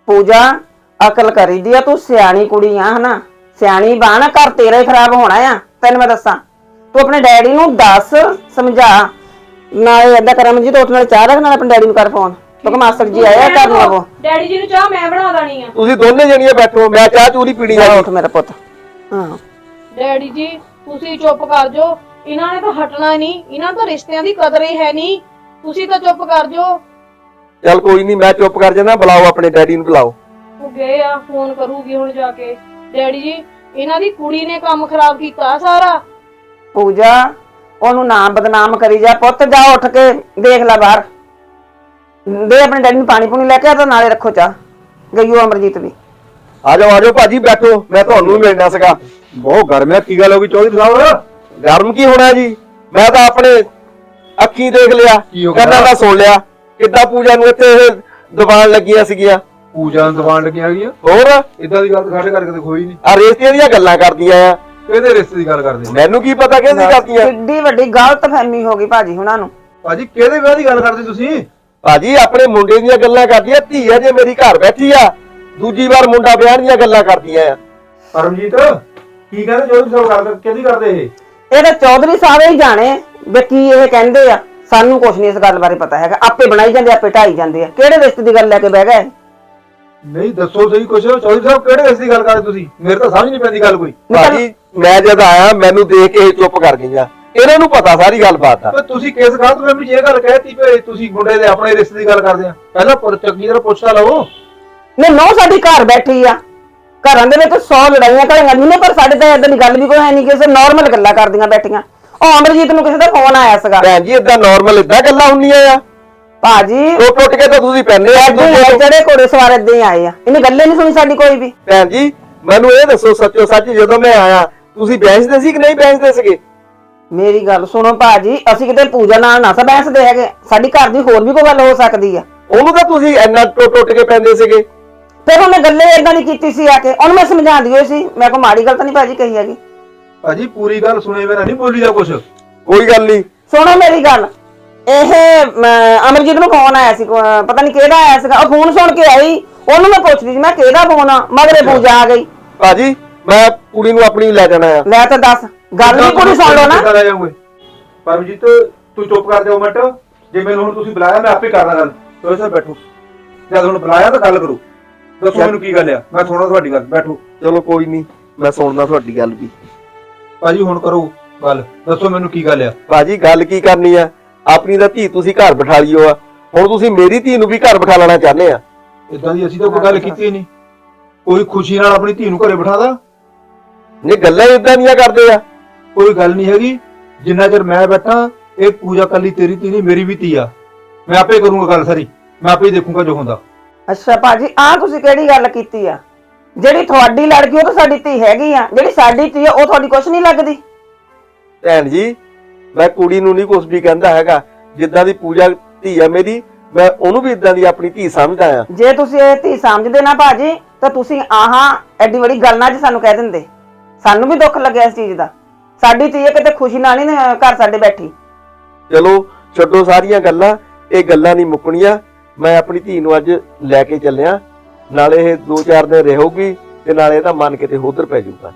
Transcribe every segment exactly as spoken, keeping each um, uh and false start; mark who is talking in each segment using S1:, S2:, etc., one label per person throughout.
S1: पूजा अकल करी दी आ, तू सियाणी कुड़ी आ है ना, सियाणी बाण घर तेरा ही खराब होना आ। तेन मैं दसा तू अपने डैडी नूं दस समझा ना, इदा कर जी तो नाल चाह रख, नाल अपने डैडी नूं कर फोन तो मास्टर जी आया घर नूं। वो
S2: डैडी जी नूं चाह मैं बना देनी आ।
S3: ਤੁਸੀਂ ਦੋਨੇ ਜਣੀਆਂ ਬੈਠੋ, ਮੈਂ ਚਾਹ ਚੂਰੀ ਪੀਣੀ ਆ।
S1: उठ मेरा पुत। हां
S2: डैडी जी ਤੁਸੀਂ ਚੁੱਪ ਕਰ ਜਾਓ, ਇਹਨਾਂ ਨੇ ਤਾਂ ਹਟਣਾ ਨਹੀਂ, ਇਹਨਾਂ ਤਾਂ ਰਿਸ਼ਤਿਆਂ ਦੀ ਕਦਰ ਹੀ ਹੈ ਨਹੀਂ, ਤੁਸੀਂ ਤਾਂ ਚੁੱਪ ਕਰ ਜਾਓ।
S3: ਚੱਲ ਕੋਈ ਨਹੀਂ, ਮੈਂ ਚੁੱਪ ਕਰ ਜਾਣਾ। ਬੁਲਾਓ ਆਪਣੇ ਡੈਡੀ ਨੂੰ, ਬੁਲਾਓ।
S2: ਉਹ ਗਏ ਆ, ਫੋਨ ਕਰੂਗੀ ਹੁਣ ਜਾ ਕੇ। ਡੈਡੀ ਜੀ ਇਹਨਾਂ ਦੀ ਕੁੜੀ ਨੇ ਕੰਮ ਖਰਾਬ ਕੀਤਾ ਸਾਰਾ।
S1: पूजा ओनू नाम बदनाम करी जा, पुत जा उठ के देख ला बाहर, दे अपने डैडी नूं पानी पूनी लेके आ तो नाले रखो चाह। गई हो अमरजीत भी।
S3: ਆ ਜਾਓ ਆ ਜਾਓ ਭਾਜੀ, ਬੈਠੋ, ਮੈਂ ਤੁਹਾਨੂੰ ਵੀ ਮਿਲਣਾ ਸੀਗਾ।
S4: ਬਹੁਤ ਗਰਮ ਹੈ। ਕੀ ਗੱਲ ਹੋ ਗਈ ਚੌਧਰੀ ਸਾਹਿਬ?
S3: ਗਰਮ ਕੀ ਹੋਣਾ ਜੀ, ਮੈਂ ਤਾਂ ਆਪਣੇ ਅੱਖੀਂ ਦੇਖ ਲਿਆ,
S4: ਕੀ ਹੋ ਗਿਆ?
S3: ਕੰਨਾਂ ਨਾਲ ਸੁਣ ਲਿਆ ਕਿੱਦਾਂ ਪੂਜਾ ਨੂੰ ਇੱਥੇ ਇਹ ਦੀਵਾਨ ਲੱਗੀਆਂ ਸੀਗੀਆਂ।
S4: ਪੂਜਾ ਨੂੰ ਦੁਕਾਨ ਲੱਗੀਆਂ ਗਈਆਂ?
S3: ਹੋਰ
S4: ਇਦਾਂ ਦੀ ਗੱਲ ਤਾਂ ਸਾਡੇ ਕਰਕੇ ਕੋਈ ਨਹੀਂ।
S3: ਆ ਰੇਸਤੀਆਂ ਦੀਆਂ ਗੱਲਾਂ ਕਰਦੀਆਂ ਆ।
S4: ਕਿਹਦੇ ਰਿਸ਼ਤੇ ਦੀ ਗੱਲ ਕਰਦੇ?
S3: ਮੈਨੂੰ ਕੀ ਪਤਾ ਕਿਹਦੀ ਕਰਦੀਆਂ।
S1: किड्डी वड्डी गलतफहमी हो गई भाजी हुणां नूं।
S4: ਭਾਜੀ ਕਿਹਦੇ ਵਿਆਹ ਦੀ ਗੱਲ ਕਰਦੇ ਤੁਸੀਂ?
S3: ਭਾਜੀ ਆਪਣੇ ਮੁੰਡੇ ਦੀਆਂ ਗੱਲਾਂ ਕਰਦੀਆਂ, ਧੀ ਆ ਜੇ ਮੇਰੀ ਘਰ ਬੈਠੀ ਆ, ਦੂਜੀ ਵਾਰ ਮੁੰਡਾ ਵਿਆਹ ਦੀਆਂ ਗੱਲਾਂ ਕਰਦੀਆਂ ਆ।
S4: ਪਰਮਜੀਤ ਕੀ ਕਹਿੰਦੇ ਚੌਧਰੀ ਸਾਹਿਬ? ਗੱਲ ਕਿਹਦੀ ਕਰਦੇ ਇਹ?
S1: ਇਹ ਤਾਂ ਚੌਧਰੀ ਸਾਹਿਬ ਹੀ ਜਾਣੇ ਵੀ ਕੀ ਇਹ ਕਹਿੰਦੇ ਆ, ਸਾਨੂੰ ਕੁਝ ਨਹੀਂ ਇਸ ਗੱਲ ਬਾਰੇ ਪਤਾ ਹੈਗਾ। ਆਪੇ ਬਣਾਈ ਜਾਂਦੇ, ਆਪੇ ਢਾਈ ਜਾਂਦੇ ਆ। ਕਿਹੜੇ ਰਿਸ਼ਤੇ ਦੀ ਗੱਲ ਲੈ ਕੇ ਬਹਿ ਗਏ?
S4: ਨਹੀਂ ਦੱਸੋ ਸਹੀ ਕੁਛ। ਚੌਧਰੀ ਸਾਹਿਬ ਕਿਹੜੇ ਰਿਸ਼ਤੇ ਦੀ ਗੱਲ ਕਰਦੇ ਤੁਸੀਂ? ਮੇਰੇ ਤਾਂ ਸਮਝ ਨਹੀਂ ਪੈਂਦੀ ਗੱਲ ਕੋਈ।
S3: ਭਾਜੀ ਮੈਂ ਜਦ ਆਇਆ ਮੈਨੂੰ ਦੇਖ ਕੇ ਇਹ ਚੁੱਪ ਕਰ ਗਈਆਂ। ਇਹਨਾਂ ਨੂੰ ਪਤਾ ਸਾਰੀ ਗੱਲਬਾਤ ਆ।
S4: ਪਰ ਤੁਸੀਂ ਕਿਸ ਗੱਲ ਤੋਂ ਮੈਨੂੰ ਇਹ ਗੱਲ ਕਹਿਤੀ ਵੀ ਤੁਸੀਂ ਮੁੰਡੇ ਦੇ ਆਪਣੇ ਰਿਸ਼ਤੇ ਦੀ ਗੱਲ ਕਰਦੇ ਆ? ਪਹਿਲਾਂ ਪਰ ਚੰਗੀ ਤਰ੍ਹਾਂ ਪੁੱਛ ਤਾਂ ਲਓ।
S1: ਨਹੀਂ ਨੌ ਸਾਡੀ ਘਰ ਬੈਠੀ ਆ, ਘਰਾਂ ਦੇ ਵਿੱਚ ਸੌ ਲੜਾਈਆਂ ਘੜੀਆਂ ਨਹੀਂ ਨੇ, ਪਰ ਸਾਡੇ ਤਾਂ ਇਦਾਂ ਦੀ ਗੱਲ ਵੀ ਕੋਈ ਹੈ ਨਹੀਂ, ਕਿਸੇ ਨਾਰਮਲ ਗੱਲਾਂ ਕਰਦੀਆਂ ਬੈਠੀਆਂ। ਉਹ ਅਮਰਜੀਤ ਨੂੰ ਕਿਸੇ ਦਾ ਫੋਨ ਆਇਆ ਸੀਗਾ।
S3: ਭੈਣ ਜੀ ਇਦਾਂ ਨਾਰਮਲ ਇਦਾਂ ਗੱਲਾਂ ਹੁੰਦੀਆਂ ਆ?
S1: ਭਾਜੀ
S3: ਟੁੱਟ ਟੁੱਟ ਕੇ ਤਾਂ ਤੁਸੀਂ ਪੈਂਦੇ ਆ।
S1: ਜਿਹੜੇ ਘੋੜੇ ਸਵਾਰ ਏਦਾਂ ਹੀ ਆਏ ਆ, ਇਹਨੇ ਗੱਲੇ ਨਹੀਂ ਸੁਣੀ ਸਾਡੀ ਕੋਈ ਵੀ।
S3: ਭੈਣ ਜੀ ਮੈਨੂੰ ਇਹ ਦੱਸੋ ਸੱਚੋ ਸੱਚ, ਜਦੋਂ ਮੈਂ ਆਇਆ ਤੁਸੀਂ ਬੈਂਸਦੇ ਸੀ ਕਿ ਨਹੀਂ ਬੈਂਸਦੇ ਸੀਗੇ?
S1: ਮੇਰੀ ਗੱਲ ਸੁਣੋ ਭਾਜੀ, ਅਸੀਂ ਕਿਤੇ ਪੂਜਾ ਨਾਲ ਨਾ ਸਾ ਬੈਂਸਦੇ ਹੈਗੇ, ਸਾਡੀ ਘਰ ਦੀ ਹੋਰ ਵੀ ਕੋਈ ਗੱਲ ਹੋ ਸਕਦੀ ਆ।
S3: ਉਹਨੂੰ ਤਾਂ ਤੁਸੀਂ ਇੰਨਾ ਟੁੱਟ ਟੁੱਟ ਕੇ ਪੈਂਦੇ ਸੀਗੇ।
S1: ਫਿਰ ਉਹਨੇ ਗੱਲੇ ਏਦਾਂ ਨਹੀਂ ਕੀਤੀ ਸੀ ਆ ਕੇ, ਉਹਨੂੰ ਮੈਂ ਸਮਝਾਉਂਦੀ ਹੋਈ ਸੀ, ਮੈਂ ਕੋਈ ਮਾੜੀ ਗੱਲ ਤਾਂ ਨਹੀਂ ਭਾਜੀ ਕਹੀ ਹੈਗੀ।
S4: ਭਾਜੀ ਪੂਰੀ ਗੱਲ ਸੁਣੇ ਬਿਨਾਂ ਨਹੀਂ ਬੋਲੀ ਦਾ ਕੁਛ।
S3: ਕੋਈ ਗੱਲ ਨਹੀਂ,
S1: ਸੁਣੋ ਮੇਰੀ ਗੱਲ, ਇਹ ਅਮਰਜੀਤ ਨੂੰ ਫੋਨ ਆਇਆ ਸੀ, ਪਤਾ ਨਹੀਂ ਕਿਹਦਾ ਆਇਆ ਸੀਗਾ। ਉਹ ਫੋਨ ਸੁਣ ਕੇ ਆਈ, ਉਹਨੂੰ ਮੈਂ ਪੁੱਛਦੀ ਸੀ ਮੈਂ ਕਿਹਦਾ ਫੋਨ ਆ, ਮਗਰੇ ਪੂਜਾ ਆ ਗਈ।
S3: ਭਾਜੀ ਮੈਂ ਕੁੜੀ ਨੂੰ ਆਪਣੀ ਲੈ ਜਾਣਾ ਆ।
S1: ਲੈ ਤਾਂ ਦੱਸ, ਗੱਲ ਵੀ ਪੂਰੀ ਸੁਣ ਲਓ ਨਾ।
S4: ਪਰਮਜੀਤ ਤੂੰ ਚੁੱਪ ਕਰ ਜਾਓ ਮਿੰਟ। ਜੇ ਮੈਨੂੰ ਹੁਣ ਤੁਸੀਂ ਬੁਲਾਇਆ ਮੈਂ ਆਪੇ ਕਰਦਾ ਗੱਲ। ਤੁਸੀਂ ਸਰ ਬੈਠੋ, ਜਦ ਹੁਣ ਬੁਲਾਇਆ ਤਾਂ ਗੱਲ ਕਰੋ। ਦੱਸੋ ਮੈਨੂੰ ਕੀ ਗੱਲ ਆ, ਮੈਂ ਸੁਣਦਾ ਤੁਹਾਡੀ ਗੱਲ। ਬੈਠੋ।
S3: ਚਲੋ ਕੋਈ ਨਹੀਂ, ਮੈਂ ਸੁਣਦਾ ਤੁਹਾਡੀ ਗੱਲ ਵੀ।
S4: ਭਾਜੀ ਹੁਣ ਕਰੋ ਗੱਲ, ਦੱਸੋ ਮੈਨੂੰ ਕੀ ਗੱਲ ਆ।
S3: ਭਾਜੀ ਗੱਲ ਕੀ ਕਰਨੀ ਆ, ਆਪਣੀ ਤਾਂ ਧੀ ਤੁਸੀਂ ਘਰ ਬਿਠਾ ਲਿਓ ਆ, ਹੁਣ ਤੁਸੀਂ ਮੇਰੀ ਧੀ ਨੂੰ ਵੀ ਘਰ ਬਿਠਾ ਲੈਣਾ ਚਾਹੁੰਦੇ ਆ।
S4: ਇਦਾਂ ਦੀ ਅਸੀਂ ਤਾਂ ਕੋਈ ਗੱਲ ਕੀਤੀ ਨਹੀਂ। ਕੋਈ ਖੁਸ਼ੀ ਨਾਲ ਆਪਣੀ ਧੀ ਨੂੰ ਘਰੇ ਬਿਠਾਦਾ?
S3: ਨਹੀਂ ਗੱਲਾਂ ਇਦਾਂ ਦੀਆਂ ਕਰਦੇ ਆ।
S4: ਕੋਈ ਗੱਲ ਨਹੀਂ ਹੈਗੀ। ਜਿੰਨਾ ਚਿਰ ਮੈਂ ਬੈਠਾ ਇਹ ਪੂਜਾ ਕੱਲੀ ਤੇਰੀ ਧੀ ਨਹੀਂ, ਮੇਰੀ ਵੀ ਧੀ ਆ। ਮੈਂ ਆਪੇ ਕਰੂੰਗਾ ਗੱਲ ਸਾਰੀ, ਮੈਂ ਆਪੇ ਦੇਖੂੰਗਾ ਜੋ ਹੁੰਦਾ।
S1: ਅੱਛਾ ਭਾਜੀ ਆਹ ਤੁਸੀਂ ਕਿਹੜੀ ਗੱਲ ਕੀਤੀ ਆ? ਜਿਹੜੀ ਤੁਹਾਡੀ ਲੜਕੀ ਉਹ ਤਾਂ ਸਾਡੀ ਧੀ ਹੈਗੀ ਆ, ਜਿਹੜੀ ਸਾਡੀ ਧੀ ਆ ਉਹ ਤੁਹਾਡੀ ਕੁਛ ਨਹੀਂ ਲੱਗਦੀ?
S3: ਭੈਣ ਜੀ ਮੈਂ ਕੁੜੀ ਨੂੰ ਨਹੀਂ ਕੁਛ ਵੀ ਕਹਿੰਦਾ ਹੈਗਾ, ਜਿੱਦਾਂ ਦੀ ਪੂਜਾ ਧੀ ਆ ਮੇਰੀ, ਮੈਂ ਉਹਨੂੰ ਵੀ ਇਦਾਂ ਦੀ ਆਪਣੀ ਧੀ ਸਮਝਦਾ ਆ।
S1: ਜੇ ਤੁਸੀਂ ਇਹ ਧੀ ਸਮਝਦੇ ਨਾ ਭਾਜੀ ਤਾਂ ਤੁਸੀਂ ਆਹਾਂ ਐਡੀ ਵੱਡੀ ਗੱਲ ਨਾ ਜੀ ਸਾਨੂੰ ਕਹਿ ਦਿੰਦੇ, ਸਾਨੂੰ ਵੀ ਦੁੱਖ ਲੱਗਿਆ ਇਸ ਚੀਜ਼ ਦਾ। ਸਾਡੀ ਧੀ ਹੈ, ਕਿਤੇ ਖੁਸ਼ੀ ਨਾਲ ਨਹੀਂ ਘਰ ਸਾਡੇ ਬੈਠੀ।
S3: ਚਲੋ ਛੱਡੋ ਸਾਰੀਆਂ ਗੱਲਾਂ, ਇਹ ਗੱਲਾਂ ਨਹੀਂ ਮੁੱਕਣੀਆਂ। ਮੈਂ ਆਪਣੀ ਧੀ ਨੂੰ ਅੱਜ ਲੈ ਕੇ ਚੱਲਿਆ, ਨਾਲੇ ਇਹ ਦੋ ਚਾਰ ਦਿਨ ਰਹੂਗੀ ਤੇ ਨਾਲੇ ਇਹਦਾ ਮਨ ਕਿਤੇ ਹੋਦਰ ਪੈ ਜਾਊਗਾ।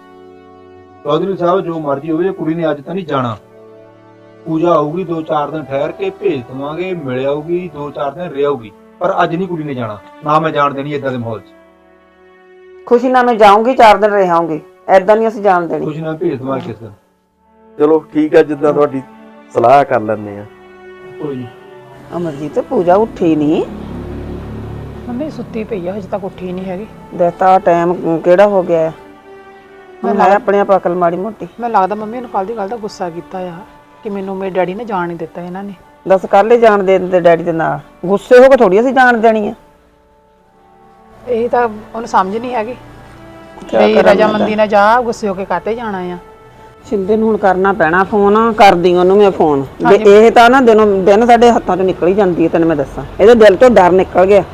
S4: ਚੌਧਰੀ ਸਾਹਿਬ ਜੋ ਮਰਜ਼ੀ ਹੋਵੇ, ਕੁੜੀ ਨੇ ਅੱਜ ਤਾਂ ਨਹੀਂ ਜਾਣਾ। ਪੂਜਾ ਆਊਗੀ, ਦੋ ਚਾਰ ਦਿਨ ਠਹਿਰ ਕੇ ਭੇਜ ਦਵਾਂਗੇ, ਮਿਲ ਆਊਗੀ, ਦੋ ਚਾਰ ਦਿਨ ਰਹਿ ਆਊਗੀ, ਪਰ ਅੱਜ ਨਹੀਂ ਕੁੜੀ ਨੇ ਜਾਣਾ। ਨਾ ਮੈਂ ਜਾਣ ਦੇਣੀ ਏਦਾਂ ਦੇ ਮਾਹੌਲ 'ਚ।
S1: ਖੁਸ਼ੀ ਨਾਲ ਮੈਂ ਜਾਊਂਗੀ, ਚਾਰ ਦਿਨ ਰਹਾਂਗੀ, ਐਦਾਂ ਨਹੀਂ ਅਸੀਂ ਜਾਣ ਦੇਣੀ।
S4: ਖੁਸ਼ੀ ਨਾਲ ਭੇਜ ਦਵਾਂਗੇ ਕਿਸ ਦਿਨ।
S3: ਚਲੋ ਠੀਕ ਆ, ਜਿੱਦਾਂ ਤੁਹਾਡੀ ਸਲਾਹ ਕਰ ਲੈਂਦੇ ਆ।
S4: ਕੋਈ ਨਹੀਂ।
S1: ਅਮਰਜੀਤ ਪੂਜਾ ਉੱਠੀ ਨਹੀਂ?
S5: ਮੰਮੀ ਸੁੱਤੀ ਪਈ ਆ, ਹਜੇ ਤੱਕ ਉੱਠੀ ਨਹੀਂ ਹੈਗੀ।
S1: ਦੇਖਤਾ ਟਾਈਮ ਕਿਹੜਾ ਹੋ ਗਿਆ ਹੈ, ਮੈਂ ਆਪਣੇ ਆਪ ਅਕਲ ਮਾੜੀ ਮੋਟੀ।
S5: ਮੈਨੂੰ ਲੱਗਦਾ ਮੰਮੀ ਨੂੰ ਕੱਲ ਦੀ ਗੱਲ ਦਾ ਗੁੱਸਾ ਕੀਤਾ ਆ ਕਿ ਮੈਨੂੰ ਮੇਰੇ ਡੈਡੀ ਨੇ ਜਾਣ ਨਹੀਂ ਦਿੱਤਾ ਇਹਨਾਂ ਨੇ।
S1: ਦੱਸ ਕੱਲ ਹੀ ਜਾਣ ਦੇ ਦਿੰਦੇ ਡੈਡੀ ਦੇ ਨਾਲ, ਗੁੱਸੇ ਹੋ ਕੇ ਥੋੜੀ ਅਸੀਂ ਜਾਣ ਦੇਣੀ ਆ।
S5: ਇਹ ਤਾਂ ਉਹਨੂੰ ਸਮਝ ਨਹੀਂ ਹੈਗੀ ਕਿ ਰਜਾਮੰਦੀ ਨਾਲ ਜਾ, ਗੁੱਸੇ ਹੋ ਕੇ ਕਾਤੇ ਜਾਣਾ ਆ।
S1: ਸ਼ਿੰਦੇ ਨੂੰ ਹੁਣ ਕਰਨਾ ਪੈਣਾ ਫੋਨ, ਕਰਦੀ ਉਹਨੂੰ ਮੈਂ ਫੋਨ। ਜੇ ਇਹ ਤਾਂ ਨਾ ਦਿਨੋਂ ਦਿਨ ਸਾਡੇ ਹੱਥਾਂ ਚੋਂ ਨਿਕਲ ਹੀ ਜਾਂਦੀ ਹੈ, ਤੈਨੂੰ ਮੈਂ ਦੱਸਾਂ, ਇਹਦੇ ਦਿਲ ਤੋਂ ਡਰ ਨਿਕਲ ਗਿਆ।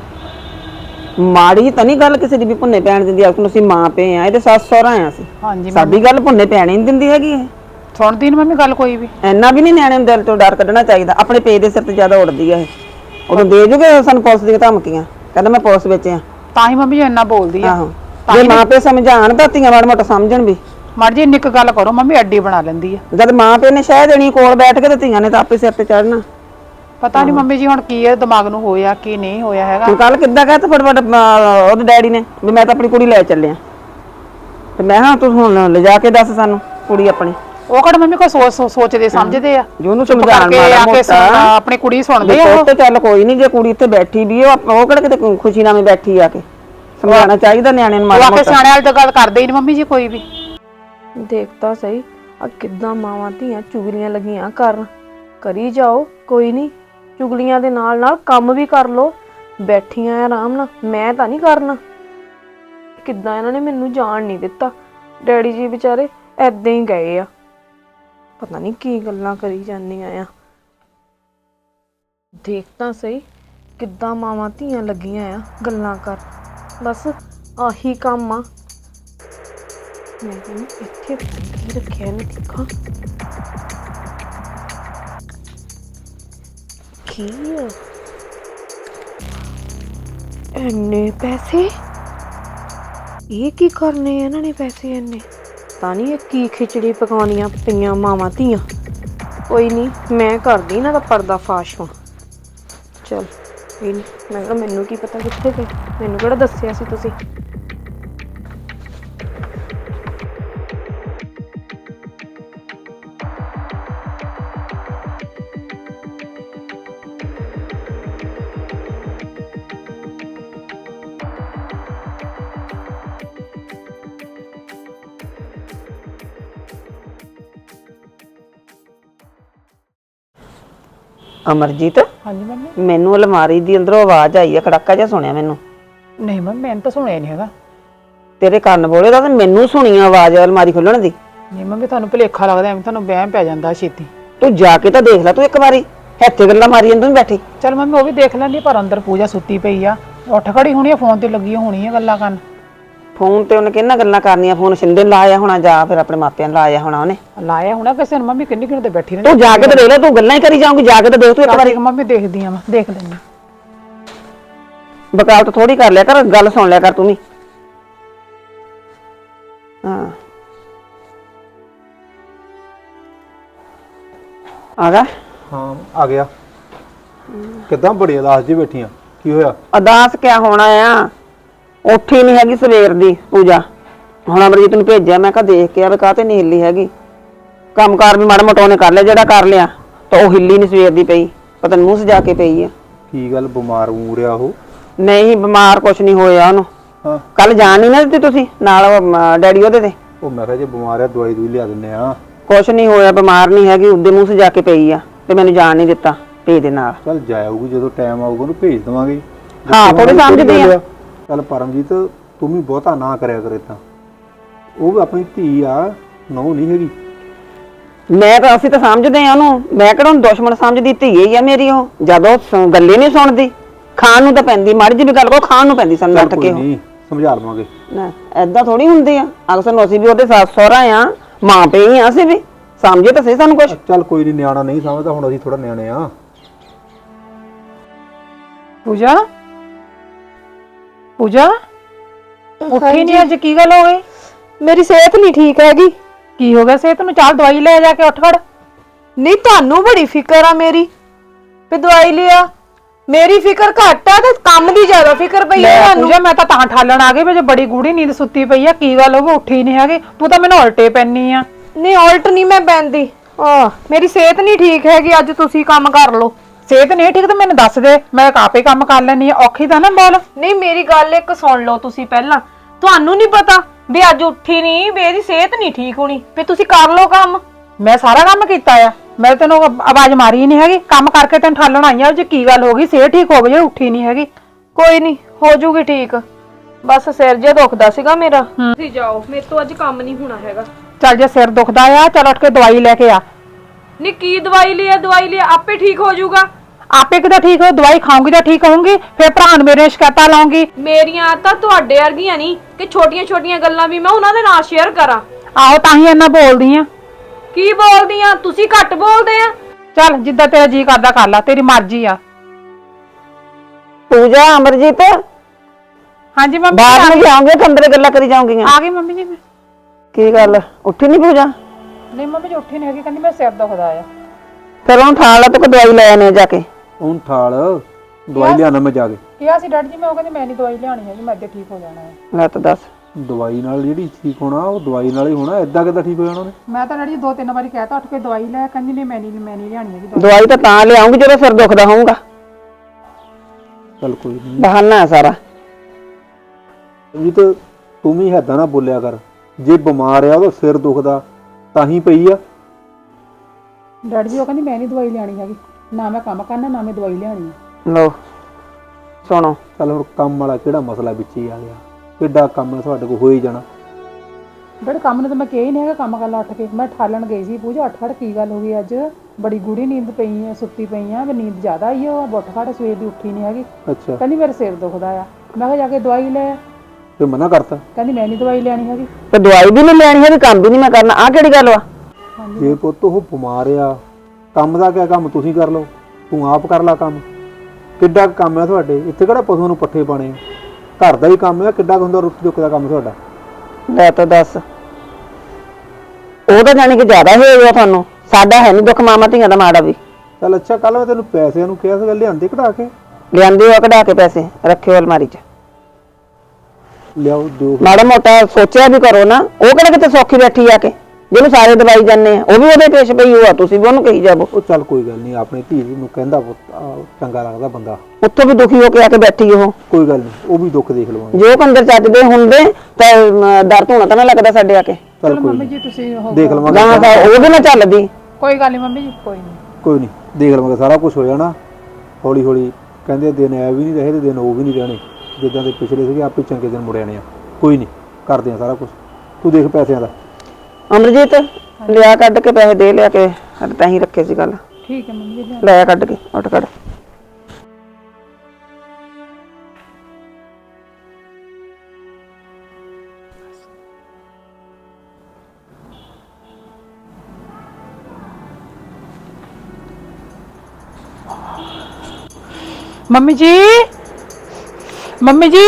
S1: ਮਾੜੀ ਤਾਂ ਨਹੀਂ ਗੱਲ ਕਿਸੇ ਦੀ ਵੀ ਭੁੰਨੇ ਪੈਣ ਦਿੰਦੀ, ਆਪ ਨੂੰ ਅਸੀਂ ਮਾਂ ਪਏ ਆ, ਇਹਦੇ ਸੱਸ ਸਹੁਰਾ ਆ ਅਸੀਂ।
S5: ਹਾਂਜੀ
S1: ਸਾਡੀ ਗੱਲ ਭੁੰਨੇ ਪੈਣੀ ਨਹੀਂ ਦਿੰਦੀ ਹੈਗੀ ਇਹ।
S5: ਸੁਣਦੀ ਨੀ ਮੰਮੀ ਗੱਲ ਕੋਈ ਵੀ।
S1: ਇੰਨਾ ਵੀ ਨਹੀਂ ਨਿਆਣੇ ਨੂੰ ਦਿਲ ਤੋਂ ਡਰ ਕੱਢਣਾ ਚਾਹੀਦਾ, ਆਪਣੇ ਪੇ ਦੇ ਸਿਰ ਤੇ ਜ਼ਿਆਦਾ ਉੱਡਦੀ ਆ ਇਹ। ਉਦੋਂ ਦੇ ਜੂਗੇ ਸਾਨੂੰ ਪੁਲਿਸ ਦੀਆਂ ਧਮਕੀਆਂ, ਕਹਿੰਦਾ ਮੈਂ ਪੁਲਿਸ ਵਿੱਚ ਆ।
S5: ਤਾਂ ਹੀ ਮੰਮੀ ਜੀ ਇੰਨਾ ਬੋਲਦੀ ਆ।
S1: ਆਹੋ ਜੇ ਮਾਂ ਪਿਓ ਸਮਝਾਣ ਤਾਂ ਧੀਆਂ ਮਾੜਾ ਮੋਟਾ ਸਮਝਣ ਵੀ।
S5: ਮਰ ਜੀ ਇੰਨੀ ਕੁ ਗੱਲ ਕਰੋ ਮੰਮੀ ਅੱਡੀ ਬਣਾ ਲੈਂਦੀ ਆ।
S1: ਜਦ ਮਾਂ ਪਿਓ ਨੇ ਸ਼ਹਿ ਦੇਣੀ ਕੋਲ ਬੈਠ ਕੇ ਤੇ ਧੀਆਂ ਨੇ ਤਾਂ ਆਪੇ ਸਿਰ ਤੇ ਚੜਨਾ।
S5: ਪਤਾ ਨਹੀਂ ਮੰਮੀ ਜੀ ਹੁਣ ਕੀ ਇਹ ਦਿਮਾਗ ਨੂੰ ਹੋਇਆ ਕੀ ਨਹੀਂ ਹੋਇਆ ਹੈਗਾ।
S1: ਹੁਣ ਕੱਲ ਕਿੱਦਾਂ ਕਹਿ ਤਾ ਫਟਾਫਟ ਉਹਦੇ ਡੈਡੀ ਨੇ ਵੀ ਮੈਂ ਤਾਂ ਆਪਣੀ ਕੁੜੀ ਲੈ ਚੱਲਿਆ ਤੇ ਮੈਂ ਹਾਂ ਤੂੰ ਹੁਣ ਲਿਜਾ ਕੇ ਦੱਸ ਸਾਨੂੰ ਕੁੜੀ ਆਪਣੀ।
S5: ਉਹ ਕਿਹੜਾ ਮੰਮੀ ਕੋਈ ਸੋਚ ਸੋਚਦੇ ਸਮਝਦੇ ਆ
S1: ਜੋ ਉਹਨੂੰ
S5: ਚੁੱਪ
S1: ਸਮਝਾਉਣ
S5: ਕਰਕੇ
S1: ਮਾੜਾ
S5: ਆ ਕੇ
S1: ਮੋਟਾ।
S5: ਸੁਣਨਾ, ਆਪਣੀ ਕੁੜੀ ਸੁਣਦੇ ਆ ਉਹ।
S1: ਤੇ ਚੱਲ ਕੋਈ ਨਹੀਂ ਜੇ ਕੁੜੀ ਇੱਥੇ ਬੈਠੀ ਵੀ ਉਹ ਉਹ ਕਿਹੜਾ ਕਿਤੇ ਖੁਸ਼ੀ ਨਾਲ ਬੈਠੀ ਆ ਕੇ ਸਮਝਾਉਣਾ ਚਾਹੀਦਾ ਨਿਆਣੇ ਨੂੰ
S5: ਉਹ
S1: ਮਾੜਾ
S5: ਆ ਕੇ
S1: ਮੋਟਾ।
S5: ਸਿਆਣੇ ਵਾਲੀ ਤਾਂ ਗੱਲ ਕਰਦੇ ਹੀ ਨਹੀਂ ਮੰਮੀ ਜੀ ਕੋਈ ਵੀ।
S2: ਦੇਖਤਾ ਸਹੀ ਆ ਕਿੱਦਾਂ ਮਾਵਾਂ ਧੀਆਂ ਚੁਗਲੀਆਂ ਲੱਗੀਆਂ ਕਰਨ। ਕਰੀ ਜਾਓ ਕੋਈ ਨਹੀਂ, ਚੁਗਲੀਆਂ ਦੇ ਨਾਲ ਨਾਲ ਕੰਮ ਵੀ ਕਰ ਲੋ। ਬੈਠੀਆਂ ਆ ਆਰਾਮ ਨਾਲ, ਮੈਂ ਤਾਂ ਨਹੀਂ ਕਰਨਾ। ਕਿੱਦਾਂ ਇਹਨਾਂ ਨੇ ਮੈਨੂੰ ਜਾਣ ਨਹੀਂ ਦਿੱਤਾ। ਡੈਡੀ ਜੀ ਵਿਚਾਰੇ ਐਦਾਂ ਹੀ ਗਏ ਆ, ਪਤਾ ਨਹੀਂ ਕੀ ਗੱਲਾਂ ਕਰੀ ਜਾਂਦੀਆਂ ਆ। ਦੇਖ ਤਾਂ ਸਹੀ ਕਿੱਦਾਂ ਮਾਵਾਂ ਧੀਆਂ ਲੱਗੀਆਂ ਆ ਗੱਲਾਂ ਕਰ। ਬਸ ਆਹੀ ਕੰਮ ਆ। ਮੈਂ ਕਹਿੰਦੀ ਇੱਥੇ ਪਤਾ ਨੀ ਕੀ ਰੱਖਿਆ ਇਹਨੇ, ਦੇਖਾਂ ਕੀ ਆ। ਇੰਨੇ ਪੈਸੇ, ਇਹ ਕੀ ਕਰਨੇ ਆ ਇਹਨਾਂ ਨੇ ਪੈਸੇ ਇੰਨੇ। ਤਾਂ ਨਹੀਂ ਇਹ ਕੀ ਖਿਚੜੀ ਪਕਾਉਣੀਆਂ ਪਈਆਂ ਮਾਵਾਂ ਧੀਆਂ। ਕੋਈ ਨਹੀਂ ਮੈਂ ਕਰਦੀ ਇਹਨਾਂ ਦਾ ਪਰਦਾ ਫਾਸ਼ ਹੁਣ। ਚਲ ਇਹ ਨਹੀਂ, ਮੈਂ ਕਿਹਾ ਮੈਨੂੰ ਕੀ ਪਤਾ ਕਿੱਥੇ ਗਏ, ਮੈਨੂੰ ਕਿਹੜਾ ਦੱਸਿਆ ਸੀ ਤੁਸੀਂ।
S1: ਅਮਰਜੀਤ
S5: ਹਾਂਜੀ ਮੰਮੀ।
S1: ਮੈਨੂੰ ਅਲਮਾਰੀ ਦੀ ਅੰਦਰੋਂ ਆਵਾਜ਼ ਆਈ ਆ, ਖੜਾਕਾ ਜਿਹਾ ਸੁਣਿਆ ਮੈਨੂੰ।
S5: ਨਹੀਂ ਮੰਮੀ ਮੈਨੂੰ ਤਾਂ ਸੁਣਿਆ ਨਹੀਂ ਹੈਗਾ।
S1: ਤੇਰੇ ਕੰਨ ਬੋਲੇ ਦਾ ਤੇ ਮੈਨੂੰ ਸੁਣੀ ਆਵਾਜ਼ ਅਲਮਾਰੀ ਖੁੱਲਣ ਦੀ।
S5: ਨਹੀਂ ਮੰਮੀ ਤੁਹਾਨੂੰ ਭੁਲੇਖਾ ਲੱਗਦਾ ਐਵੇਂ, ਤੁਹਾਨੂੰ ਵਹਿਮ ਪੈ ਜਾਂਦਾ ਛੇਤੀ।
S1: ਤੂੰ ਜਾ ਕੇ ਤਾਂ ਦੇਖ ਲੈ ਤੂੰ ਇੱਕ ਵਾਰੀ, ਇੱਥੇ ਗੱਲਾਂ ਮਾਰੀ ਜਾਂਦੀ ਤੂੰ ਬੈਠੀ।
S5: ਚਲ ਮੰਮੀ ਉਹ ਵੀ ਦੇਖ ਲੈਂਦੀ, ਪਰ ਅੰਦਰ ਪੂਜਾ ਸੁੱਤੀ ਪਈ ਆ, ਉੱਠ ਖੜੀ ਹੋਣੀ ਆ, ਫੋਨ ਤੇ ਲੱਗੀ ਹੋਣੀ ਆ ਗੱਲਾਂ ਕਰਨ।
S1: ਫੋਨ ਤੇ ਉਹਨੇ ਕਿੰਨਾ ਗੱਲਾਂ ਕਰਨੀਆਂ, ਫੋਨ ਸ਼ਿੰਦੇ ਨੂੰ ਲਾਇਆ ਹੋਣਾ ਜਾਂ ਫਿਰ ਆਪਣੇ ਮਾਪਿਆਂ ਨੂੰ ਲਾਇਆ ਹੋਣਾ ਉਹਨੇ।
S5: ਲਾਇਆ ਹੋਣਾ ਕਿਸੇ ਨੂੰ ਮੰਮੀ, ਕਿੰਨੀ ਕਿੰਨੀ ਤੇ ਬੈਠੀ ਰਹਿੰਦੀ।
S1: ਤੂੰ ਜਾ ਕੇ ਤਾਂ ਦੇਖ ਲੈ, ਤੂੰ ਗੱਲਾਂ ਹੀ ਕਰੀ ਜਾਊਂਗੀ, ਜਾ ਕੇ ਤਾਂ ਦੇਖ ਤੂੰ ਇੱਕ ਵਾਰੀ।
S5: ਮੰਮੀ ਦੇਖਦੀ ਆ, ਮੈਂ ਦੇਖ ਲੈਂਦੀ।
S1: ਬਕਾਵਟ ਥੋੜੀ ਕਰ ਲਿਆ ਕਰ, ਗੱਲ ਸੁਣ ਲਿਆ ਕਰ ਤੂੰ ਵੀ। ਹਾਂ ਆ ਗਿਆ।
S4: ਹਾਂ ਆ ਗਿਆ। ਕਿੱਦਾਂ ਬੜੀ ਅਦਾਸ ਜੀ ਬੈਠੀਆਂ, ਕੀ ਹੋਇਆ?
S1: ਅਦਾਸ ਕਿਆ ਹੋਣਾ ਆ, ਉੱਠੀ ਨਹੀਂ ਹੈਗੀ ਸਵੇਰ ਦੀ ਪੂਜਾ। ਹੁਣ ਅਮਰਜੀਤ ਨੂੰ ਭੇਜਿਆ, ਮੈਂ ਕਿਹਾ ਦੇਖ ਕੇ ਆ ਵੀ ਕਾਹਤੇ ਨਹੀਂ ਹਿੱਲੀ ਹੈਗੀ। ਕੰਮ ਕਾਰ ਵੀ ਮਾੜਾ ਮੋਟਾ ਉਹਨੇ ਕਰ ਲਿਆ, ਜਿਹੜਾ ਕਰ ਲਿਆ, ਤਾਂ ਉਹ ਹਿੱਲੀ ਨਹੀਂ ਸਵੇਰ ਦੀ ਪਈ, ਪਤਾ ਨੀ ਮੂੰਹ ਸਜਾ ਕੇ ਪਈ ਆ।
S4: ਕੀ ਗੱਲ ਬਿਮਾਰ ਬਮੂਰਿਆ ਉਹ?
S1: ਨਹੀਂ ਬਿਮਾਰ ਕੁਛ ਨਹੀਂ ਹੋਇਆ ਉਹਨੂੰ।
S4: ਹਾਂ
S1: ਕੱਲ ਜਾਣ ਨਹੀਂ ਨਾ ਦਿੱਤੀ ਤੁਸੀਂ ਨਾਲ ਉਹ ਡੈਡੀ ਉਹਦੇ ਤੇ।
S4: ਉਹ ਮੈਂ ਕਿਹਾ ਜੇ ਬਿਮਾਰ ਆ ਦਵਾਈ ਦੂਈ ਲਿਆ ਦਿੰਨੇ ਆ।
S1: ਕੁਛ ਨਹੀਂ ਹੋਇਆ, ਬਿਮਾਰ ਨਹੀਂ ਹੈਗੀ, ਉਹਦੇ ਮੂੰਹ ਸਜਾ ਕੇ ਪਈ ਆ ਤੇ ਮੈਨੂੰ ਜਾਣ ਨਹੀਂ ਦਿੱਤਾ ਭੇਜ ਦੇ ਨਾਲ।
S4: ਚੱਲ ਜਾਊਗੀ ਜਦੋਂ ਟਾਈਮ ਆਊਗਾ ਉਹਨੂੰ ਭੇਜ ਦਵਾਂਗੇ।
S1: ਹਾਂ ਥੋੜੀ ਸਮਝਦੀ ਆ।
S4: ਚੱਲ ਪਰਮਜੀਤ ਤੂੰ ਵੀ ਬਹੁਤਾ ਨਾ ਕਰਿਆ ਕਰੇ, ਤਾਂ ਉਹ ਵੀ ਆਪਣੀ ਧੀ ਆ, ਨਹੁੰ ਨਹੀਂ ਹੈਗੀ।
S1: ਮੈਂ ਤਾਂ ਅਸੀਂ ਤਾਂ ਸਮਝਦੇ ਆ ਉਹਨੂੰ, ਮੈਂ ਕਿਹੜਾ ਉਹਨੂੰ ਦੁਸ਼ਮਣ ਸਮਝਦੀ, ਧੀ ਹੀ ਆ ਮੇਰੀ ਉਹ। ਜਦੋਂ ਗੱਲੇ ਨਹੀਂ ਸੁਣਦੀ, ਖਾਣ ਨੂੰ ਤਾਂ ਪੈਂਦੀ, ਮਾੜੀ ਜਿਹੀ ਵੀ ਗੱਲ ਕੋ ਖਾਣ ਨੂੰ ਪੈਂਦੀ ਸਾਨੂੰ ਨੱਠ ਕੇ।
S4: ਨਹੀਂ ਸਮਝਾ ਲਵਾਂਗੇ
S1: ਨਾ ਐਦਾਂ ਥੋੜੀ ਹੁੰਦੀ ਆ, ਅਕਸਰ ਨੂੰ ਅਸੀਂ ਵੀ ਉਹਦੇ ਸੱਸ ਸਹੁਰਾ ਆ, ਮਾਂ ਪਿਓ ਹੀ ਆ, ਅਸੀਂ ਵੀ ਸਮਝੇ ਤਾਂ ਸਹੀ ਸਾਨੂੰ ਕੁਛ।
S4: ਚੱਲ ਕੋਈ ਨਹੀਂ, ਨਿਆਣਾ ਨਹੀਂ ਸਮਝਦਾ, ਹੁਣ ਅਸੀਂ ਥੋੜਾ ਨਿਆਣੇ ਆ।
S5: ਪੂਜਾ ਪੂਜਾ ਉੱਠੀ ਨਹੀਂ ਅੱਜ, ਕੀ ਗੱਲ ਹੋ ਗਈ?
S2: ਮੇਰੀ ਸਿਹਤ ਨਹੀਂ ਠੀਕ ਹੈਗੀ।
S5: ਕੀ ਹੋ ਗਿਆ ਸਿਹਤ ਨੂੰ? ਚੱਲ ਦਵਾਈ ਲੈ ਜਾ ਕੇ ਉੱਠ ਖੜ।
S2: ਨਹੀਂ ਤੁਹਾਨੂੰ ਬੜੀ ਫਿਕਰ ਆ ਮੇਰੀ ਵੀ ਦਵਾਈ ਲਿਆ। ਮੇਰੀ ਫਿਕਰ ਘੱਟ ਆ ਤੇ ਕੰਮ ਦੀ ਜ਼ਿਆਦਾ ਫਿਕਰ ਪਈ ਆ ਤੁਹਾਨੂੰ।
S5: ਪੂਜਾ ਮੈਂ ਤਾਂ ਤਾਂ ਠਾਲਣ ਆ ਗਈ ਵੀ ਜੇ ਬੜੀ ਗੂੜੀ ਨੀਂਦ ਸੁੱਤੀ ਪਈ ਆ, ਕੀ ਗੱਲ ਹੋ ਗਈ ਉੱਠੀ ਨਹੀਂ ਹੈਗੀ? ਤੂੰ ਤਾਂ ਮੈਨੂੰ ਉਲਟੇ ਪੈਣੀ ਆ।
S2: ਨਹੀਂ ਉਲਟ ਨਹੀਂ ਮੈਂ ਪੈਂਦੀ, ਆ ਮੇਰੀ ਸਿਹਤ ਨਹੀਂ ਠੀਕ ਹੈਗੀ, ਅੱਜ ਤੁਸੀਂ ਕੰਮ ਕਰ ਲਓ।
S5: ਸਿਹਤ ਨਹੀਂ ਠੀਕ ਤਾਂ ਮੈਨੂੰ ਦੱਸ ਦੇ, ਮੈਂ ਆਪੇ ਕੰਮ ਕਰ ਲੈਣੀ ਆ, ਔਖੀ ਤਾਂ ਨਾ ਬੋਲ।
S2: ਨਹੀਂ ਮੇਰੀ ਗੱਲ ਇੱਕ ਸੁਣ ਲਓ ਤੁਸੀਂ ਪਹਿਲਾਂ। ਤੁਹਾਨੂੰ ਨਹੀਂ ਪਤਾ ਵੀ ਅੱਜ ਉੱਠੀ ਨਹੀਂ ਵੀ ਇਹਦੀ ਸਿਹਤ ਨਹੀਂ ਠੀਕ ਹੋਣੀ, ਵੀ ਤੁਸੀਂ ਕਰ ਲਓ ਕੰਮ।
S5: ਮੈਂ ਸਾਰਾ ਕੰਮ ਕੀਤਾ ਆ, ਮੈਂ ਤੈਨੂੰ ਆਵਾਜ਼ ਮਾਰੀ ਨਹੀਂ ਹੈਗੀ, ਕੰਮ ਕਰਕੇ ਤੈਨੂੰ ਠਾਲਣ ਆਈ ਆ। ਜੇ ਕੀ ਗੱਲ ਹੋ ਗਈ, ਸਿਹਤ ਠੀਕ ਹੋ ਗਈ ਜੇ ਉੱਠੀ ਨਹੀਂ ਹੈਗੀ?
S2: ਕੋਈ ਨਹੀਂ ਹੋ ਜੂਗੀ ਠੀਕ, ਬਸ ਸਿਰ ਜਿਹਾ ਦੁਖਦਾ ਸੀਗਾ ਮੇਰਾ। ਤੁਸੀਂ ਜਾਓ, ਮੇਰੇ ਤੋਂ ਅੱਜ ਕੰਮ ਨਹੀਂ ਹੋਣਾ ਹੈਗਾ।
S5: ਚੱਲ ਜੇ ਸਿਰ ਦੁਖਦਾ ਆ, ਚੱਲ ਉੱਠ ਕੇ ਦਵਾਈ ਲੈ ਕੇ ਆ।
S2: ਨਹੀਂ ਕੀ ਦਵਾਈ ਲਿਆ, ਦਵਾਈ ਲਿਆ ਆਪੇ ਠੀਕ ਹੋ ਜਾਊਗਾ।
S5: ਆਪੇ ਕਿਦਾਂ ਠੀਕ ਹੋ? ਦਵਾਈ ਖਾਉਂਗੀ ਤਾਂ ਠੀਕ ਹੋਊਂਗੀ, ਫਿਰ ਭਰਾ ਨੂੰ ਮੇਰੇ ਸ਼ਿਕਾਇਤਾਂ ਲਾਉਂਗੀ।
S2: ਮੇਰੀਆਂ ਤਾਂ ਤੁਹਾਡੇ ਵਰਗੀਆਂ ਨਹੀਂ ਕਿ ਛੋਟੀਆਂ ਛੋਟੀਆਂ ਗੱਲਾਂ ਵੀ ਮੈਂ ਉਹਨਾਂ ਦੇ ਨਾਲ ਸ਼ੇਅਰ ਕਰਾਂ।
S5: ਆਹੋ ਤਾਂ ਹੀ ਇੰਨਾ ਬੋਲਦੀ ਆ।
S2: ਕੀ ਬੋਲਦੀ ਆ? ਤੁਸੀਂ ਘੱਟ ਬੋਲਦੇ ਆ।
S5: ਚੱਲ ਜਿੱਦਾਂ ਤੇਰਾ ਜੀ ਕਰਦਾ ਕਰ ਲਾ, ਤੇਰੀ ਮਰਜ਼ੀ ਆ।
S1: ਪੂਜਾ ਅਮਰਜੀਤ
S5: ਹਾਂਜੀ ਮੰਮੀ
S1: ਬਾਹਰ ਨੂੰ ਜਾਓਗੇ ਕਿ ਅੰਦਰ ਗੱਲਾਂ ਕਰੀ ਜਾਓਗੀਆਂ?
S5: ਆ ਗਈ ਮੰਮੀ ਜੀ ਮੈਂ।
S1: ਕੀ ਗੱਲ ਉੱਠੀ ਨਹੀਂ ਪੂਜਾ?
S5: ਨਹੀਂ ਮੰਮੀ ਜੀ ਉੱਠੀ ਨਹੀਂ ਹੈਗੀ, ਕਹਿੰਦੀ ਮੈਂ ਸਿਰ ਦੁਖਦਾ ਆ।
S1: ਫਿਰ ਉਹਨੂੰ ਠਾਲ ਲਾ ਤੂੰ, ਕਿ ਦਵਾਈ ਲੈ ਆਨੇ ਜਾ ਕੇ।
S4: ਹੁਣ ਠਾਲ ਦਵਾਈ ਲਿਆਣਾ ਮੈਂ ਜਾ ਕੇ।
S5: ਕਿਹਾ ਸੀ ਡੈਡੀ ਜੀ ਮੈਂ, ਉਹ ਕਹਿੰਦੀ ਮੈਂ ਨਹੀਂ ਦਵਾਈ ਲਿਆਣੀ ਹੈਗੀ, ਮੈਂ ਅੱਗੇ ਠੀਕ ਹੋ ਜਾਣਾ ਹੈ।
S1: ਲੈ ਤਾਂ ਦੱਸ।
S4: ਦਵਾਈ ਨਾਲ ਜਿਹੜੀ ਠੀਕ ਹੋਣਾ ਉਹ ਦਵਾਈ ਨਾਲ ਹੀ ਹੋਣਾ, ਏਦਾਂ ਕਿੱਦਾਂ ਠੀਕ ਹੋ ਜਾਣਾ ਉਹਨੇ?
S5: ਮੈਂ ਤਾਂ ਡੈਡੀ ਜੀ ਦੋ ਤਿੰਨ ਵਾਰੀ ਕਹਿਤਾ ਉੱਠ ਕੇ ਦਵਾਈ ਲੈ, ਕਹਿੰਦੀ ਨਹੀਂ ਮੈਂ ਨਹੀਂ ਮੈਂ ਨਹੀਂ ਲਿਆਣੀ ਹੈਗੀ ਦਵਾਈ।
S1: ਦਵਾਈ ਤਾਂ ਤਾਂ ਲਿਆਉਂਗੀ ਜਦੋਂ ਸਿਰ ਦੁਖਦਾ ਹੋਊਗਾ।
S4: ਚੱਲ ਕੋਈ ਨਹੀਂ
S1: ਬਹਾਨਾ ਹੈ ਸਾਰਾ।
S4: ਜੀ, ਤਾਂ ਤੂੰ ਵੀ ਏਦਾਂ ਨਾ ਬੋਲਿਆ ਕਰ। ਜੇ ਬਿਮਾਰ ਆ ਉਹਦਾ ਸਿਰ ਦੁਖਦਾ ਤਾਂ ਹੀ ਪਈ ਆ।
S5: ਡੈਡੀ ਜੀ ਉਹ ਕਹਿੰਦੀ ਮੈਂ ਨਹੀਂ ਦਵਾਈ ਲਿਆਣੀ ਹੈਗੀ, ਨਾ ਮੈਂ ਕੰਮ ਕਰਨਾ ਨਾ ਮੈਂ ਦਵਾਈ ਲਿਆਣੀ ਹੈ।
S1: ਲੋ ਸੁਣੋ,
S4: ਚੱਲ ਹੁਣ ਕੰਮ ਵਾਲਾ ਕਿਹੜਾ ਮਸਲਾ ਵਿੱਚ ਹੀ ਆ ਗਿਆ, ਕਿੱਡਾ ਕੰਮ ਹੈ ਤੁਹਾਡੇ ਕੋਲ ਹੋ ਹੀ ਜਾਣਾ।
S5: ਡੈਡੀ ਕੰਮ ਨੂੰ ਤਾਂ ਮੈਂ ਕਿਹਾ ਹੀ ਨਹੀਂ ਹੈਗਾ, ਕੰਮ ਕਰ ਲਾ ਉੱਠ ਕੇ। ਮੈਂ ਠਾਲਣ ਗਈ ਸੀ ਪੂਜਾ, ਉੱਠ ਖੜ ਕੀ ਗੱਲ ਹੋ ਗਈ ਅੱਜ, ਬੜੀ ਗੂੜੀ ਨੀਂਦ ਪਈ ਆ, ਸੁੱਤੀ ਪਈ ਆ, ਵੀ ਨੀਂਦ ਜ਼ਿਆਦਾ ਆਈ ਆ, ਉਹ ਉੱਠ ਖੜ ਸਵੇਰ ਦੀ ਉੱਠੀ ਨਹੀਂ ਹੈਗੀ।
S4: ਅੱਛਾ,
S5: ਕਹਿੰਦੀ ਮੇਰੇ ਸਿਰ ਦੁਖਦਾ ਆ। ਮੈਂ ਕਿਹਾ ਜਾ ਕੇ ਦਵਾਈ ਲੈ।
S4: ਤੇ ਮਨਾ ਕਰਤਾ?
S5: ਕਹਿੰਦੀ ਮੈਂ ਨਹੀਂ ਦਵਾਈ ਲੈਣੀ ਹੈਗੀ।
S1: ਤੇ ਦਵਾਈ ਵੀ ਨਹੀਂ ਲੈਣੀ ਹੈ, ਕੰਮ ਵੀ ਨਹੀਂ ਮੈਂ ਕਰਨਾ। ਆਹ ਕਿਹੜੀ ਗੱਲ ਵਾ?
S4: ਜੇ ਪੁੱਤ ਉਹ ਬਿਮਾਰ ਆ, ਕੰਮ ਦਾ ਕਿਆ ਕੰਮ ਤੁਸੀਂ ਕਰ ਲਓ, ਤੂੰ ਆਪ ਕਰ ਲਾ ਕੰਮ। ਕਿੱਡਾ ਕੁ ਕੰਮ ਹੈ ਤੁਹਾਡੇ ਇੱਥੇ, ਕਿਹੜਾ ਪਸ਼ੂਆਂ ਨੂੰ ਪੱਠੇ ਪਾਣੇ, ਘਰ ਦਾ ਹੀ ਕੰਮ ਹੈ। ਕਿੱਡਾ ਕੁ ਹੁੰਦਾ ਰੁੱਤ ਚੁੱਕ ਦਾ ਕੰਮ ਤੁਹਾਡਾ?
S1: ਲੈ ਤਾਂ ਦੱਸ। ਉਹ ਤਾਂ ਜਾਣੀ ਕਿ ਜ਼ਿਆਦਾ ਹੋ ਗਿਆ ਤੁਹਾਨੂੰ, ਸਾਡਾ ਹੈ ਨਹੀਂ ਦੁੱਖ ਮਾਮਾ ਧੀਆਂ ਦਾ ਮਾੜਾ ਵੀ।
S4: ਚੱਲ ਅੱਛਾ, ਕੱਲ ਮੈਂ ਤੈਨੂੰ ਪੈਸਿਆਂ ਨੂੰ ਕਿਹਾ ਸੀਗਾ ਲਿਆਂਦੇ ਕਢਾ ਕੇ।
S1: ਲਿਆਂਦੇ ਹੋ ਕਢਾ ਕੇ ਪੈਸੇ, ਰੱਖਿਓ ਅਲਮਾਰੀ 'ਚ।
S4: ਲਿਆਓ ਦਿਓ।
S1: ਮਾੜਾ ਮੋਟਾ ਸੋਚਿਆ ਵੀ ਕਰੋ ਨਾ। ਉਹ ਕਿਹੜਾ ਕਿਤੇ ਸੌਖੀ ਬੈਠੀ ਆ ਕੇ, ਜਿਹਨੂੰ ਸਾਰੇ ਦਵਾਈ ਜਾਂਦੇ ਆ। ਉਹ ਵੀ ਉਹਦੇ ਪੇਸ਼ ਪਈ ਹੋਆ, ਤੁਸੀਂ ਵੀ ਉਹਨੂੰ ਕਹੀ ਜਾਵੋ।
S4: ਉਹ ਚੱਲ ਕੋਈ ਗੱਲ ਨਹੀਂ, ਆਪਣੀ ਧੀ ਨੂੰ ਕਹਿੰਦਾ ਪੁੱਤ ਆ, ਚੰਗਾ ਲੱਗਦਾ ਬੰਦਾ।
S1: ਉੱਥੋਂ ਵੀ ਦੁਖੀ ਹੋ ਕੇ ਆ ਕੇ ਬੈਠੀ ਉਹ।
S4: ਕੋਈ ਗੱਲ ਨਹੀਂ, ਉਹ ਵੀ ਦੁੱਖ ਦੇਖ ਲਵਾਂਗੇ।
S1: ਜੇ ਉਹ ਕੰਦਰ ਚੱਜਦੇ ਹੁੰਦੇ ਤਾਂ ਅਮ, ਡਰ ਧੋਣਾ ਤਾਂ ਨਾ ਲੱਗਦਾ ਸਾਡੇ ਆ ਕੇ।
S4: ਚੱਲ ਕੋਈ
S5: ਮੰਮੀ
S4: ਨਹੀਂ,
S5: ਜੀ ਤੁਸੀਂ ਉਹ
S4: ਦੇਖ ਲਵਾਂਗੇ।
S1: ਗਾਂ ਤਾਂ ਉਹ ਵੀ ਨਾ ਚੱਲਦੀ।
S5: ਕੋਈ ਗੱਲ ਨਹੀਂ ਮੰਮੀ ਜੀ, ਕੋਈ ਨਹੀਂ
S4: ਕੋਈ ਨਹੀਂ, ਦੇਖ ਲਵਾਂਗੇ, ਸਾਰਾ ਕੁਝ ਹੋ ਜਾਣਾ ਹੌਲੀ ਹੌਲੀ। ਕਹਿੰਦੇ ਦਿਨ ਐ ਵੀ ਨਹੀਂ ਰਹੇ ਤੇ ਦਿਨ ਉਹ ਵੀ ਨਹੀਂ ਰਹਿਣੇ, ਜਿੱਦਾਂ ਦੇ ਪਿਛਲੇ ਸੀਗੇ ਆਪੇ ਚੰਗੇ ਦਿਨ ਮੁੜ ਆਣੇ ਆ। ਕੋਈ ਨਹੀਂ, ਕਰਦੇ ਆ ਸਾਰਾ ਕੁਝ। ਤੂੰ ਦੇਖ ਪੈਸਿਆਂ ਦਾ।
S1: ਅਮਰਜੀਤ ਲਿਆ ਕੱਢ ਕੇ ਪੈਸੇ ਦੇ ਲਿਆ ਕੇ, ਹਰ ਤਾਂ ਹੀ ਰੱਖੇ ਸੀ ਗੱਲ।
S5: ਠੀਕ ਹੈ ਮੰਮੀ ਜੀ।
S1: ਲੈ ਕੱਢ ਕੇ, ਉੱਠ ਕੱਢ।
S5: ਮੰਮੀ ਜੀ, ਮੰਮੀ ਜੀ,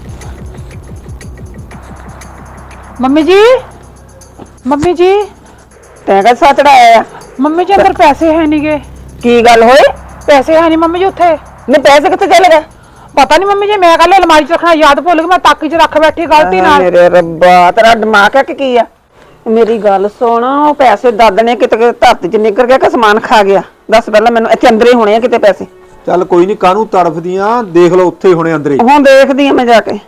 S5: ਮੰਮੀ ਜੀ, ਮੰਮੀ ਜੀ,
S1: ਤੈਂ ਕਾ ਸੱਚ ਚੜਾਇਆ ਆ?
S5: ਮੰਮੀ ਜੀ ਅੰਦਰ ਪੈਸੇ ਹੈ ਨਹੀਂਗੇ।
S1: ਕੀ ਗੱਲ ਹੋਈ?
S5: ਪੈਸੇ ਹੈ ਨਹੀਂ ਮੰਮੀ ਜੀ ਉੱਥੇ।
S1: ਨੇ ਪੈਸੇ ਕਿੱਥੇ ਚਲੇ ਗਏ?
S5: ਪਤਾ ਨਹੀਂ ਮੰਮੀ ਜੀ, ਮੈਂ ਕੱਲ ਅਲਮਾਰੀ 'ਚ ਰੱਖਣਾ ਯਾਦ ਭੁੱਲ ਗਈ, ਮੈਂ ਤਾਕੀ 'ਚ ਰੱਖ ਬੈਠੀ ਗਲਤੀ ਨਾਲ।
S1: ਮੇਰੇ ਰੱਬਾ, ਤੇਰਾ ਦਿਮਾਗ ਹੈ ਕਿ ਕੀ ਆ? ਮੇਰੀ ਗੱਲ ਸੁਣ, ਉਹ ਪੈਸੇ ਦਾਦਣੇ ਕਿਤੇ ਧਰਤੀ 'ਚ ਨਿਕਲ ਗਿਆ ਕਿ ਸਮਾਨ ਖਾ ਗਿਆ? ਦੱਸ ਪਹਿਲਾਂ ਮੈਨੂੰ। ਇੱਥੇ ਅੰਦਰ ਹੀ ਹੋਣੇ ਆ ਕਿਤੇ ਪੈਸੇ।
S4: ਚੱਲ ਕੋਈ ਨਹੀਂ, ਕਾਹਨੂੰ ਤੜਫਦੀਆਂ, ਦੇਖ ਲਓ ਉੱਥੇ ਹੁਣੇ ਅੰਦਰ ਹੀ।
S1: ਹੁਣ ਦੇਖਦੀ ਆ ਮੈਂ ਜਾ ਕੇ।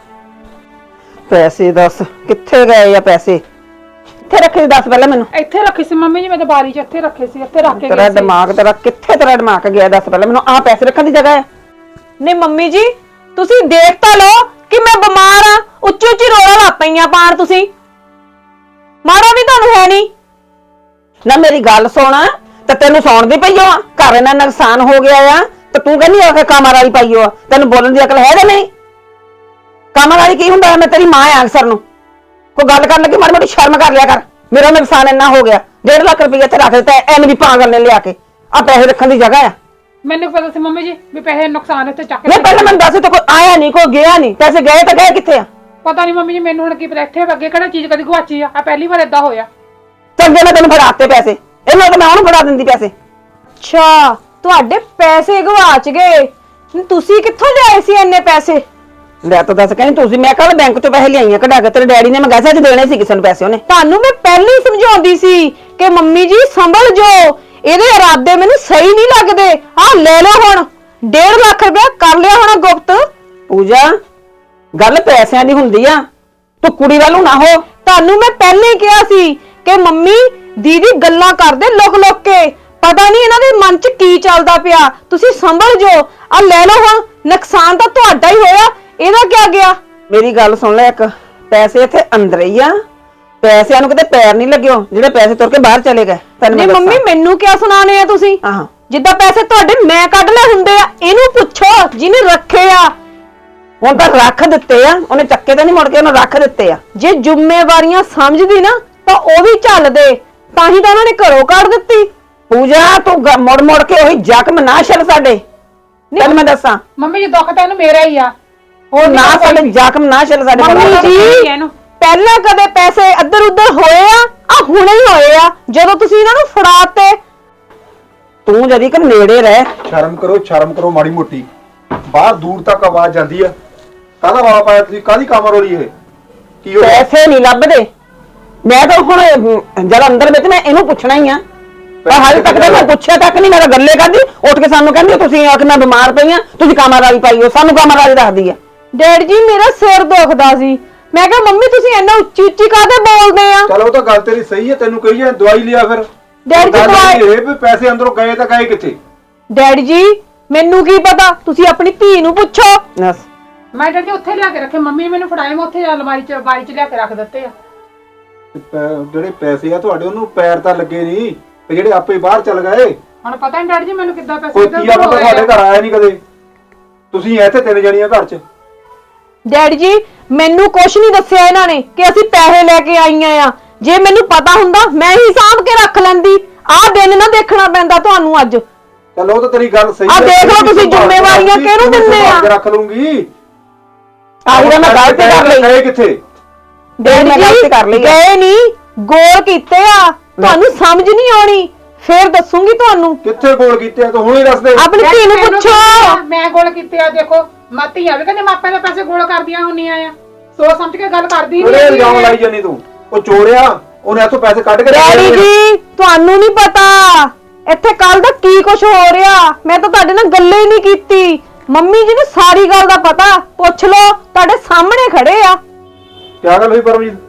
S1: ਪੈਸੇ ਦੱਸ ਕਿੱਥੇ ਗਏ ਆ ਪੈਸੇ? ਕਿੱਥੇ ਰੱਖੇ ਸੀ ਦੱਸ ਪਹਿਲਾਂ ਮੈਨੂੰ।
S5: ਇੱਥੇ ਰੱਖੇ ਸੀ ਮੰਮੀ ਜੀ, ਮੈਂ ਤਾਂ ਬਾਰੀ 'ਚ ਇੱਥੇ ਰੱਖੇ ਸੀ, ਇੱਥੇ ਰੱਖ ਕੇ
S1: ਤੇਰਾ
S5: ਗਈ ਸੀ।
S1: ਦਿਮਾਗ ਤੇਰਾ ਕਿੱਥੇ, ਤੇਰਾ ਦਿਮਾਗ ਗਿਆ ਦੱਸ ਪਹਿਲਾਂ ਮੈਨੂੰ। ਆਹ ਪੈਸੇ ਰੱਖਣ ਦੀ ਜਗ੍ਹਾ ਹੈ?
S2: ਨਹੀਂ ਮੰਮੀ ਜੀ, ਤੁਸੀਂ ਦੇਖ ਤਾਂ ਲਓ ਕਿ ਮੈਂ ਬਿਮਾਰ ਆ। ਉੱਚੀ ਉੱਚੀ ਰੋਲਾ ਲਾ ਪਈਆਂ ਪਾਣ ਤੁਸੀਂ। ਮਾਰਾ ਵੀ ਤੁਹਾਨੂੰ ਹੈ ਨਹੀਂ।
S1: ਨਾ ਮੇਰੀ ਗੱਲ ਸੁਣ, ਤੇ ਤੈਨੂੰ ਸੌਣ ਦੀ ਪਈ ਆ, ਘਰ ਇਹਨਾਂ ਨੁਕਸਾਨ ਹੋ ਗਿਆ ਆ, ਤੇ ਤੂੰ ਕਹਿੰਦੀ ਆ ਕਿ ਕਾਮਰ ਵਾਲੀ ਪਾਈ ਆ? ਤੈਨੂੰ ਬੋਲਣ ਦੀ ਅਕਲ ਹੈ ਜਾਂ ਨਹੀਂ? ਕਾਮਰ ਵਾਲੀ ਕੀ ਹੁੰਦਾ? ਮੈਂ ਤੇਰੀ ਮਾਂ ਆ ਅਕਸਰ ਨੂੰ। ਕੋਈ ਗੱਲ ਕਰਨ ਲੱਗੀ ਮਾੜੀ ਮੋਟੀ ਸ਼ਰਮ ਕਰ ਲਿਆ ਕਰ। ਮੇਰਾ ਨੁਕਸਾਨ ਇੰਨਾ ਹੋ ਗਿਆ, ਡੇਢ ਲੱਖ ਰੁਪਏ ਇੱਥੇ ਰੱਖ ਦਿੱਤਾ ਐਨ ਵੀ ਪਾਗਲ ਨੇ ਲਿਆ ਕੇ। ਆ ਪੈਸੇ ਰੱਖਣ ਦੀ ਜਗ੍ਹਾ ਆ?
S5: ਮੈਨੂੰ ਪਤਾ ਸੀ ਮੰਮੀ ਜੀ ਵੀ ਪੈਸੇ ਨੁਕਸਾਨ ਇੱਥੇ ਚੱਕ
S1: ਨਹੀਂ ਪਹਿਲਾਂ ਮੈਨੂੰ ਦੱਸ, ਤੇ ਕੋਈ ਆਇਆ ਨਹੀਂ, ਕੋਈ ਗਿਆ ਨਹੀਂ, ਪੈਸੇ ਗਏ ਤਾਂ ਗਏ ਕਿੱਥੇ ਆ?
S5: ਪਤਾ ਨਹੀਂ ਮੰਮੀ ਜੀ, ਮੈਨੂੰ ਹੁਣ ਕੀ ਪਤਾ ਇੱਥੇ ਅੱਗੇ ਕਿਹੜਾ ਚੀਜ਼ ਕਦੀ ਗਵਾਚੀ ਆ। ਆ ਪਹਿਲੀ ਵਾਰ ਏਦਾਂ ਹੋਇਆ।
S1: ਚੰਗੇ ਮੈਂ ਤੈਨੂੰ ਫੜਾਤੇ ਪੈਸੇ, ਇਹਨਾਂ ਤਾਂ ਮੈਂ ਉਹਨੂੰ ਫੜਾ ਦਿੰਦੀ ਪੈਸੇ।
S2: ਅੱਛਾ, ਤੁਹਾਡੇ ਪੈਸੇ ਗਵਾਚ ਗਏ। ਤੁਸੀਂ ਕਿੱਥੋਂ ਲਿਆਏ ਸੀ ਇੰਨੇ ਪੈਸੇ?
S1: ਲੈ ਤਾਂ ਦੱਸ, ਕਹਿੰਦੀ ਤੁਸੀਂ। ਮੈਂ ਕੱਲ ਬੈਂਕ ਚੋਂ ਪੈਸੇ ਲਿਆਈਆਂ ਕਢਾ ਕੇ, ਤੇਰੇ ਡੈਡੀ ਨੇ ਮੰਗਾਇਆ ਸੀ ਅੱਜ ਦੇਣੇ ਸੀ ਕਿਸੇ ਨੂੰ ਪੈਸੇ ਉਹਨੇ।
S2: ਤੁਹਾਨੂੰ ਮੈਂ ਪਹਿਲਾਂ ਹੀ ਸਮਝਾਉਂਦੀ ਸੀ ਕਿ ਮੰਮੀ ਜੀ ਸੰਭਲ ਜੋ, ਇਹਦੇ ਇਰਾਦੇ ਮੈਨੂੰ ਸਹੀ ਨਹੀਂ ਲੱਗਦੇ। ਆਹ ਲੈ ਲਓ ਹੁਣ ਡੇਢ ਲੱਖ ਰੁਪਇਆ ਕਰ ਲਿਆ ਹੋਣਾ ਗੁਪਤ।
S1: ਪੂਜਾ, ਗੱਲ ਪੈਸਿਆਂ ਦੀ ਹੁੰਦੀ ਆ, ਤੂੰ ਕੁੜੀ ਵੱਲੋਂ ਨਾ ਹੋ।
S2: ਤੁਹਾਨੂੰ ਮੈਂ ਪਹਿਲਾਂ ਹੀ ਕਿਹਾ ਸੀ ਕਿ ਮੰਮੀ ਦੀਦੀ ਗੱਲਾਂ ਕਰਦੇ ਲੁਕ ਲੁਕ ਕੇ, ਪਤਾ ਨਹੀਂ ਇਹਨਾਂ ਦੇ ਮਨ 'ਚ ਕੀ ਚੱਲਦਾ ਪਿਆ। ਤੁਸੀਂ ਸੰਭਲ ਜੋ। ਆ ਲੈ ਲਓ ਹੁਣ, ਨੁਕਸਾਨ ਤਾਂ ਤੁਹਾਡਾ ਹੀ ਹੋਇਆ, ਇਹਦਾ ਕਿਆ ਗਿਆ?
S1: ਮੇਰੀ ਗੱਲ ਸੁਣ ਲੈ ਇੱਕ, ਪੈਸੇ ਇੱਥੇ ਅੰਦਰ ਹੀ ਆ, ਪੈਸਿਆਂ ਨੂੰ ਕਿਤੇ ਪੈਰ ਨਹੀਂ ਲੱਗਿਓ ਜਿਹੜੇ ਪੈਸੇ ਤੁਰ ਕੇ ਬਾਹਰ ਚਲੇ ਗਏ। ਤੈਨੂੰ
S2: ਨਹੀਂ
S1: ਮੈਂ
S2: ਮੰਮੀ,
S1: ਦੱਸਾਂ।
S2: ਮੈਨੂੰ ਕਿਆ ਸੁਣਾਣੇ ਆ ਤੁਸੀਂ?
S1: ਆਹੋ,
S2: ਜਿੱਦਾਂ ਪੈਸੇ ਤੁਹਾਡੇ ਮੈਂ ਕੱਢ ਲਏ ਹੁੰਦੇ ਆ, ਇਹਨੂੰ ਪੁੱਛੋ ਜਿਹਨੇ ਰੱਖੇ ਆ।
S1: ਹੁਣ ਤਾਂ ਰੱਖ ਦਿੱਤੇ ਆ, ਉਹਨੇ ਚੱਕੇ ਤਾਂ ਨਹੀਂ ਮੁੜ ਕੇ, ਉਹਨੇ ਰੱਖ ਦਿੱਤੇ ਆ।
S2: ਜੇ ਜ਼ਿੰਮੇਵਾਰੀਆਂ ਸਮਝਦੀ ਨਾ ਤਾਂ ਉਹ ਵੀ ਚੱਲਦੇ, ਤਾਂ ਹੀ ਤਾਂ ਉਹਨਾਂ ਨੇ ਘਰੋਂ ਕੱਢ ਦਿੱਤੀ।
S1: ਪੂਜਾ ਤੂੰ ਗ- ਮੁੜ ਮੁੜ ਕੇ ਉਹੀ ਜ਼ਖਮ ਨਾ ਛੱਡ ਸਾਡੇ। ਤੈਨੂੰ ਮੈਂ ਦੱਸਾਂ,
S5: ਮੰਮੀ ਜੀ ਦੁੱਖ ਤਾਂ ਇਹਨੂੰ ਮੇਰਾ ਹੀ ਆ।
S1: ਉਹ ਨਾ ਸਾਡੇ ਜ਼ਖਮ ਨਾ ਛਿਲ ਸਾਡੇ
S2: ਮੰਮੀ
S1: ਕੋਲ।
S2: ਜੀ
S5: ਇਹਨੂੰ
S2: ਪਹਿਲਾਂ ਕਦੇ ਪੈਸੇ ਇੱਧਰ ਉੱਧਰ ਹੋਏ ਆ ਆ ਹੁਣੇ ਹੀ ਹੋਏ ਆ ਜਦੋਂ ਤੁਸੀਂ ਇਹਨਾਂ ਨੂੰ ਫੜਾਤੇ।
S1: ਤੂੰ ਜਦੀ ਕਿ ਨੇੜੇ ਰਹਿ।
S4: ਸ਼ਰਮ ਕਰੋ ਸ਼ਰਮ ਕਰੋ ਮਾੜੀ ਮੋਟੀ। ਬਾਹਰ ਦੂਰ ਤੱਕ ਆਵਾਜ਼ ਜਾਂਦੀ ਆ। ਕਾਹਦਾ ਵਾਲਾ ਪਾਇਆ ਤੁਸੀਂ? ਕਾਹਦੀ ਕਾਮਰ ਹੋ ਰਹੀ ਇਹ? ਕੀ ਹੋ ਗਿਆ?
S1: ਪੈਸੇ ਨਹੀਂ ਲੱਭਦੇ। ਮੈਂ ਤਾਂ ਹੁਣ ਅਮ, ਜਦ ਅੰਦਰ ਵਿੱਚ ਮੈਂ ਇਹਨੂੰ ਪੁੱਛਣਾ ਹੀ ਆ, ਪਰ ਹਾਲੇ ਤੱਕ ਤਾਂ ਮੈਂ ਪੁੱਛਿਆ ਤੱਕ ਨਹੀਂ। ਮੇਰਾ ਗੱਲੇ ਕਰਦੀ ਉੱਠ ਕੇ ਸਾਨੂੰ ਕਹਿੰਦੀ ਤੁਸੀਂ ਆ ਕਿ ਮੈਂ ਬਿਮਾਰ ਪਈ ਆ, ਤੁਸੀਂ ਕਾਮਰਾਲੀ ਪਾਈ ਹੋ। ਸਾਨੂੰ ਕਾਮਰਾਲੀ ਦੱਸਦੀ ਆ।
S2: ਡੈਡ ਜੀ ਮੇਰਾ ਸਿਰ ਦੁਖਦਾ ਸੀ। ਮੈਂ ਕਿਹਾ ਮੰਮੀ ਤੁਸੀਂ ਇੰਨਾ ਉੱਚੀ ਉੱਚੀ ਕਾਹਦੇ ਬੋਲਦੇ ਆ?
S4: ਚਲ ਉਹ ਤਾਂ ਗੱਲ ਤੇਰੀ ਸਹੀ ਹੈ। ਤੈਨੂੰ ਕਹੀ ਜਾਂ ਦਵਾਈ ਲਿਆ ਫਿਰ।
S2: ਡੈਡ ਜੀ
S4: ਗੱਲ
S2: ਦਵਾਈ-
S4: ਇਹ ਵੀ ਪੈਸੇ ਅੰਦਰੋਂ ਗਏ ਤਾਂ ਗਏ ਕਿੱਥੇ?
S2: ਡੈਡ ਜੀ ਮੈਨੂੰ ਕੀ ਪਤਾ, ਤੁਸੀਂ ਆਪਣੀ ਧੀ ਨੂੰ ਪੁੱਛੋ।
S1: ਬਸ
S5: ਮੈਂ ਡੈਡੀ ਉੱਥੇ ਲਿਆ ਕੇ ਰੱਖੇ, ਮੰਮੀ ਨੇ ਮੈਨੂੰ ਫੜਾਏ, ਮੈਂ ਉੱਥੇ ਅਲਮਾਰੀ ਚ ਬਾਰੀ ਚ ਲਿਆ ਕੇ ਰੱਖ ਦਿੱਤੇ ਆ।
S4: ਤੇ ਪੈ- ਜਿਹੜੇ ਪੈਸੇ ਆ ਤੁਹਾਡੇ ਉਹਨੂੰ ਪੈਰ ਤਾਂ ਲੱਗੇ ਨਹੀਂ ਤੇ ਜਿਹੜੇ ਆਪੇ ਬਾਹਰ ਚੱਲ ਗਏ।
S5: ਹੁਣ ਪਤਾ ਨਹੀਂ ਡੈਡੀ ਜੀ ਮੈਨੂੰ ਕਿੱਦਾਂ ਪੈਸੇ
S4: ਕੋਈ
S5: ਇੱਧਰ
S4: ਤੀਆ
S5: ਉੱਧਰ
S4: ਬੰਦਾ
S5: ਹੋ ਗਏ
S4: ਸਾਡੇ
S5: ਆ।
S4: ਘਰ ਆਇਆ ਨਹੀਂ ਕਦੇ। ਤੁਸੀਂ ਇੱਥੇ ਤਿੰਨ ਜਣੀਆਂ ਘਰ 'ਚ।
S2: ਡੈਡ ਜੀ ਮੈਨੂੰ ਕੁਛ ਨਹੀਂ ਦੱਸਿਆ ਇਹਨਾਂ ਨੇ ਕਿ ਅਸੀਂ ਪੈਸੇ ਲੈ ਕੇ ਆਈਆਂ ਆ। ਜੇ ਮੈਨੂੰ ਪਤਾ ਹੁੰਦਾ ਮੈਂ ਹੀ ਸਾਂਭ ਕੇ ਰੱਖ ਲੈਂਦੀ। ਆਹ ਦਿਨ ਨਾ ਦੇਖਣਾ ਪੈਂਦਾ ਤੁਹਾਨੂੰ ਅੱਜ।
S4: ਚਲੋ ਉਹ ਤਾਂ ਤੇਰੀ ਗੱਲ ਸਹੀ
S2: ਆਹ ਦੇਖ ਲਓ ਤੁਸੀਂ ਜ਼ਿੰਮੇਵਾਰੀਆਂ ਕਿਹਨੂੰ ਦਿੰਦੇ ਆ?
S4: ਰੱਖ ਲੂੰਗੀ।
S1: ਆਹੀ ਤਾਂ ਮੈਂ ਗਲਤੀ ਕਰ ਲਈ।
S4: ਗਏ ਕਿੱਥੇ?
S2: ਡੈਡ
S1: ਮੈਂ ਗਲਤੀ
S2: ਜੀ
S1: ਕਰ ਲਈ ਆ।
S2: ਗਏ ਨਹੀਂ, ਗੋਲ ਕੀਤੇ ਆ। ਤੁਹਾਨੂੰ ਸਮਝ ਨਹੀਂ ਆਉਣੀ, ਫੇਰ ਦੱਸੂਗੀ ਤੁਹਾਨੂੰ।
S4: ਕਿੱਥੇ ਗੋਲ ਕੀਤੇ ਆ? ਤੂੰ ਹੁਣੇ ਦੱਸ ਦੇ।
S2: ਆਪਣੀ ਧੀ ਨੂੰ
S5: ਮੈਨੂੰ
S2: ਪੁੱਛੋ।
S5: ਕੀ ਮੈਂ ਗੋਲ ਕੀਤੇ ਆ? ਦੇਖੋ ਮਾਤੀਆਂ ਵੀ ਕਹਿੰਦੇ ਮਾਪਿਆਂ ਦੇ ਪੈਸੇ ਗੋਲ ਕਰਦੀਆਂ ਹੁੰਦੀਆਂ ਆ। ਸੋਚ ਸਮਝ ਕੇ ਗੱਲ ਕਰਦੀ
S4: ਉਹਦੇ
S5: ਨਹੀਂ
S4: ਇਲਜ਼ਾਮ ਲਾਈ ਜਾਨੀ ਤੂੰ। ਉਹ ਚੋਰਿਆ ਉਹਨੇ ਇੱਥੋਂ ਪੈਸੇ ਕੱਢ ਕੇ
S2: ਡੈਡੀ ਜੀ ਤੁਹਾਨੂੰ ਨਹੀਂ ਪਤਾ ਇੱਥੇ ਕੱਲ ਦਾ ਕੀ ਕੁਝ ਹੋ ਰਿਹਾ। ਮੈਂ ਤਾਂ ਤੁਹਾਡੇ ਨਾਲ ਗੱਲੇ ਹੀ ਨਹੀਂ ਕੀਤੀ। ਮੰਮੀ ਜੀ ਨੂੰ ਸਾਰੀ ਗੱਲ ਦਾ ਪਤਾ, ਪੁੱਛ ਲਓ, ਤੁਹਾਡੇ ਸਾਹਮਣੇ ਖੜੇ ਆ।
S4: ਕਿਆ ਗੱਲ ਹੋਈ ਪਰਮਜੀਤ?